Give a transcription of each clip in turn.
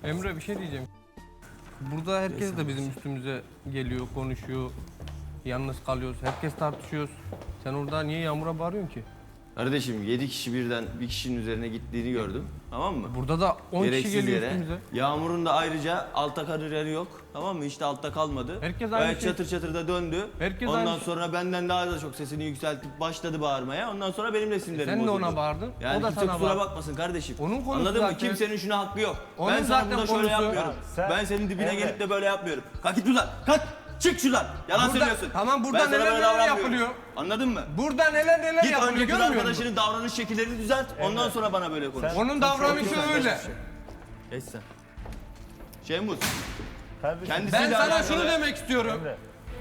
Emre bir şey diyeceğim. Burada herkes de bizim üstümüze geliyor, konuşuyor. Yalnız kalıyoruz, herkes tartışıyoruz. Sen orada niye Yağmur'a bağırıyorsun ki? Kardeşim 7 kişi birden bir kişinin üzerine gittiğini gördüm. Tamam mı? Burada da 10 kişi Gereksiz geliyor yere. üstümüze. Yağmur'un da ayrıca altta kariyeri yok. Tamam mı? Hiç de altta kalmadı. Herkes aynı Gayet şey. çatır çatır da döndü. Herkes Ondan aynı şey. sonra benden daha da çok sesini yükseltip başladı bağırmaya. Ondan sonra benim de sinirlerim Sen de bozuldu. ona bağırdın, Yani o da kimse sana kusura bağırdı. bakmasın kardeşim. Onun konusu Anladın mı? zaten. Kimsenin şuna hakkı yok. Onun Ben sana zaten burada şöyle konusu. yapmıyorum. Sen- Ben senin dibine Emre. gelip de böyle yapmıyorum. Kalk git buradan. Kalk. Çık şuradan. Yalan Burada- söylüyorsun. tamam, burada Ben sana neler böyle neler davranmıyorum. yapılıyor. Anladın mı? Burada neler Git yapılıyor önceki kız görmüyor musun? arkadaşının davranış şekillerini düzelt. Ondan sonra bana böyle konuş. Onun davranışı öyle. Geç sen. Şemuz. Kardeşim, Kendisiyle Ben sana alakalı- şunu demek istiyorum. Emre.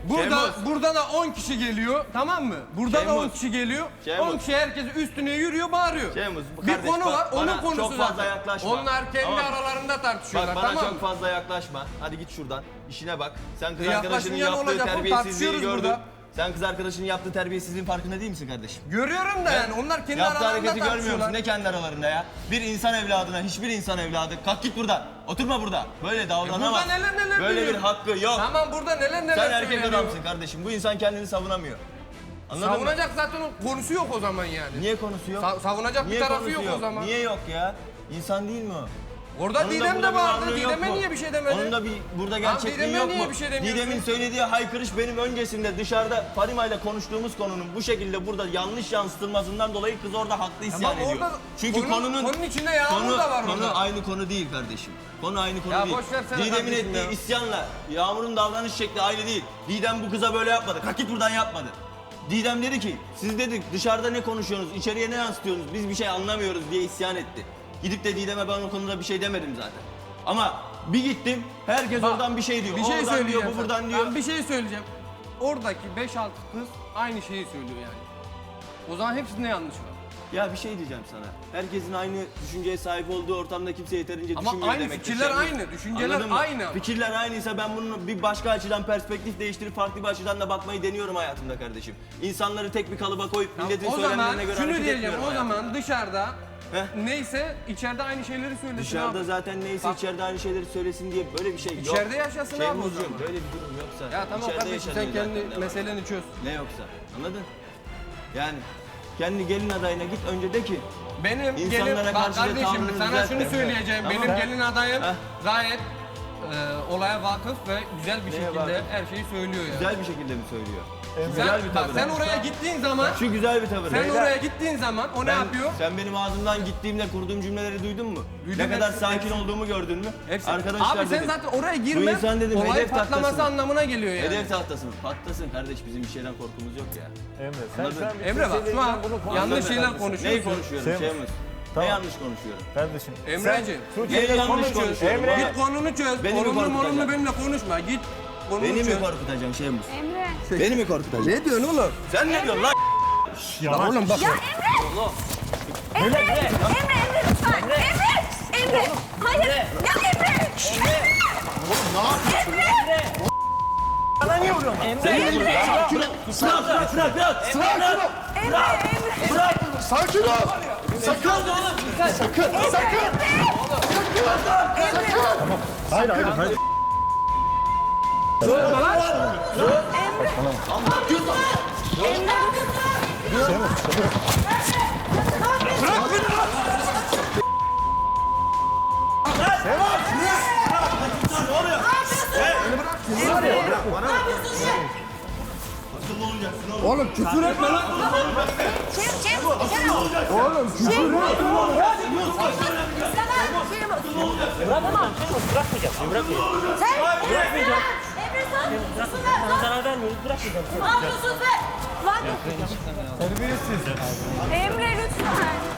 Burada da 10 kişi geliyor, tamam mı? Burada da Şemuz. 10 kişi geliyor. Şemuz. 10 kişi herkes üstüne yürüyor, bağırıyor. Şemuz, Bir kardeş, konu bak, var, onun bana konusu çok fazla zaten. yaklaşma. Onlar kendi Tamam. aralarında tartışıyorlar, Bak bana tamam çok mı? fazla yaklaşma. Hadi git şuradan. İşine bak. Sen kız Yaklaşınca arkadaşının ne yaptığı olacak oğlum? terbiyesizliği Tartışıyoruz gördün. burada. Sen kız arkadaşının yaptığı terbiyesizliğin farkında değil misin kardeşim? Görüyorum da yani onlar kendi Yaptığı aralarında hareketi görmüyor tartışıyorlar. musun? Ne kendi aralarında ya? Bir insan evladına, hiçbir insan evladı. Kalk git buradan. Oturma burada. Böyle davranamaz. Burada neler Böyle bir duyuyorum. hakkı yok. Tamam burada neler Sen erkek söyleniyor. adamsın kardeşim. Bu insan kendini savunamıyor. Anladın mı? Savunacak zaten o konusu yok o zaman yani. Niye konusu yok? Savunacak Niye bir tarafı konusu yok o zaman. Niye yok ya? İnsan değil mi o? Orada Onun da Didem burada de bir vardı. varlığı yok Didem'e mu? niye bir şey demedi? Onun da bir burada gerçekliği Didem'e yok niye mu? bir şey demiyorsun? Didem'in söylediği haykırış benim öncesinde dışarıda Farima ile konuştuğumuz konunun bu şekilde burada yanlış yansıtılmasından dolayı kız orada haklı isyan Tamam, ediyor. orada Çünkü konunun içinde Yağmur da var konu orada. aynı konu değil kardeşim. Konu aynı konu Ya değil. boş versene Didem'in kardeşim ettiği ya. isyanla Yağmur'un davranış şekli aynı değil. Didem bu kıza böyle yapmadı. Kalk git buradan yapmadı. Didem dedi ki siz dedik dışarıda ne konuşuyorsunuz, içeriye ne yansıtıyorsunuz, biz bir şey anlamıyoruz diye isyan etti. Gidip de Didem'e ben o konuda bir şey demedim zaten. Ama bir gittim herkes Bak, oradan bir şey diyor. Bir O şey oradan söyleyeceğim diyor, bu sana. buradan diyor. Ben bir şey söyleyeceğim. Oradaki 5-6 kız aynı şeyi söylüyor yani. O zaman hepsinde yanlış var. Ya bir şey diyeceğim sana. Herkesin aynı düşünceye sahip olduğu ortamda kimse yeterince Ama düşünmüyor aynı demektir. fikirler Şey bu. aynı, düşünceler Anladın mı? aynı. Fikirler aynıysa ben bunun bir başka açıdan perspektif değiştirip farklı bir açıdan da bakmayı deniyorum hayatımda kardeşim. İnsanları tek bir kalıba koyup milletin O zaman söylemlerine göre şunu hareket diyeceğim. etmiyorum O zaman hayatımda. dışarıda Heh. neyse içeride aynı şeyleri söylesin Dışarıda abi. zaten neyse Bak. içeride aynı şeyleri söylesin diye böyle bir şey yok. İçeride yaşasın abi o Şemuzcuğum, zaman. böyle bir durum yoksa. Ya tamam İçeride kardeşim sen yaşanıyor zaten, kendi ne var? meseleni çöz. Ne yoksa anladın? Yani kendi gelin adayına git önce de ki Benim İnsanlara gelin, bak karşı da kardeşim tavrını sana düzelt şunu de. söyleyeceğim. Tamam. Benim gelin adayım Heh. gayet olaya vakıf ve güzel bir Neye şekilde vakıf? her şeyi söylüyor yani. güzel bir şekilde mi söylüyor? Sen, Güzel bir bak tavır. sen oraya gittiğin zaman Şu güzel bir tavır. sen Beyler, oraya gittiğin zaman o ne yapıyor? Sen benim ağzımdan gittiğimde kurduğum cümleleri duydun mu? Duydum, ne kadar hepsi- sakin hepsi. olduğumu gördün mü? Hepsi. Arkadaşlar Abi sen dedim. zaten oraya Bu girmen insan dedim olayın hedef patlaması tahtasını. anlamına geliyor yani. Hedef tahtasını. Patlasın kardeş bizim bir şeyden korkumuz yok ya. Emre sen Anladın? şu an bir Emre bak şu an yanlış Anladın şeyler mı? konuşuyorsun. Neyi konuşuyorum Şey mi? Şeyimiz? Tamam. Ne yanlış konuşuyorum? Kardeşim. Emreciğim, sen Neyi Tuğçe'yle yanlış konuşuyorsun. konuşuyorum? Emre. Git konunu çöz. Beni mi Konunu korkutacaksın? benimle konuşma. Git konunu Beni çöz. mi korkutacaksın Şeyimiz? Emre. Beni mi korkutacaksın? Ne diyorsun oğlum? Sen ne diyorsun lan? Lan oğlum bak. Ya Emre! Emre lütfen! Emre! Hayır! Ya Emre! Bana niye vuruyorsun? Emre! Bırak bırak. Emre! Sakin ol. Sakın. Sakın. Sakın. Hayır hayır hayır. Oğlum küfür etme lan. Oğlum küfür Bırakamam. Bırakmayacağım. Bırakmayacağım. Bırakmayacağım. Emre sen! Sana zarar vermiyoruz. Bırakmayacağım. Ne yapıyorsun sen? Lan! Terbiyesiz. Emre lütfen.